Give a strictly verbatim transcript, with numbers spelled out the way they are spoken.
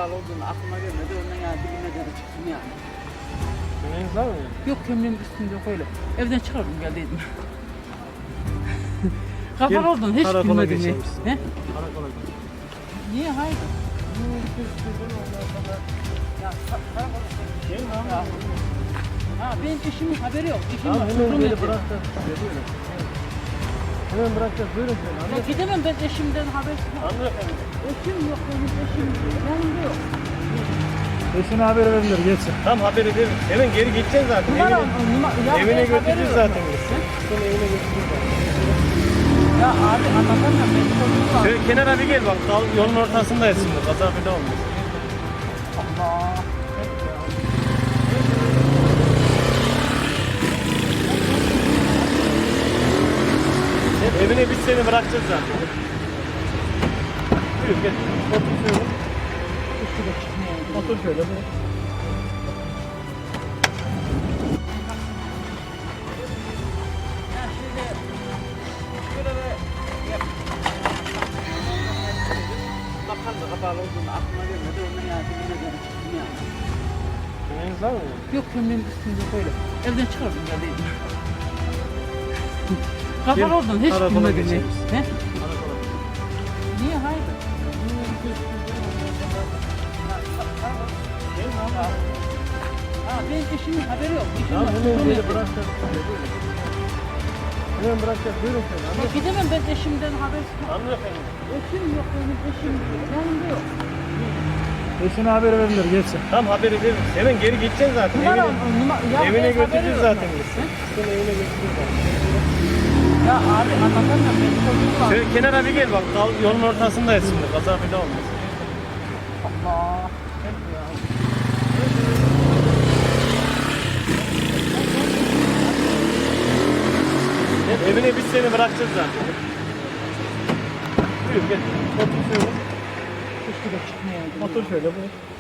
bağlı olduğunu aklıma gelmedi. Ondan yani dibine de çıktım yani. Yemeğiniz var mı? Yok kömleğin üstünde yok öyle. Evden çıkardım geldiydim. Kafa oldun hiç karakola bilmedin mi? geçelim. Ne? Karakola gidelim. Niye hayır? Ya ka- karakola Gelin abi. Ya. Ha benim eşimin haberi yok. Eşim Tamam var. hemen çocuğum beni evde. bırakacağız. Buyurun. Hemen bırakacağız. Buyurun şöyle. Ya Anlat. gidemem ben eşimden habersiz. Hanımefendi. Eşim yok benim eşim. Yanımda yok. Eşine haber verilir geçsin. Tam haberi verin. Hemen geri gideceksin zaten. Numara, Evine, numara, ya evine benim haberi götüreceğiz yok. zaten biz. Seni evine götüreceğiz zaten. Ya abi anlatamam ben çocuğum var. Şöyle kenara bir gel bak. Dal, yolun ortasındayız şimdi. Kaza bir de olmaz. Allah. Evine biz seni bırakacağız zaten. Buyur gel. Otur şöyle. Otur şöyle. Buyur. Ya şöyle şöyle bir yap. Bakan da kapalı olduğunu aklıma gelmedi. Ondan yani dibine de çıktım yani. Yemeğiniz var mı? Yok kömleğin üstünde yok öyle. Evden çıkardım geldiydim. Kapalı oldun hiç karakola bilmedin mi? geçelim. Ne? Karakola. Niye hayır? Gelin abi. Ha benim eşimin haberi yok. Eşim Tamam var. hemen çocuğum beni evde. bırakacağız. Buyurun. Hemen bırakacağız. Buyurun şöyle. Ya Anlat. gidemem ben eşimden habersiz. Hanımefendi. Eşim yok benim eşim. Yanımda yok. Eşine haber verilir geçsin. Tam haberi verin. Hemen geri gideceksin zaten. Numara, Evine, numara, ya evine benim haberi götüreceğiz yok. zaten biz. Seni evine götüreceğiz zaten. Ya abi anlatamam ben çocuğum var. Şöyle kenara bir gel bak. Dal, yolun ortasındayız şimdi. Kaza bir de olmaz. Allah. Evine biz seni bırakacağız zaten. Buyur gel. Otur şöyle. Keşke de çıkmayaydım. Otur şöyle. Buyur.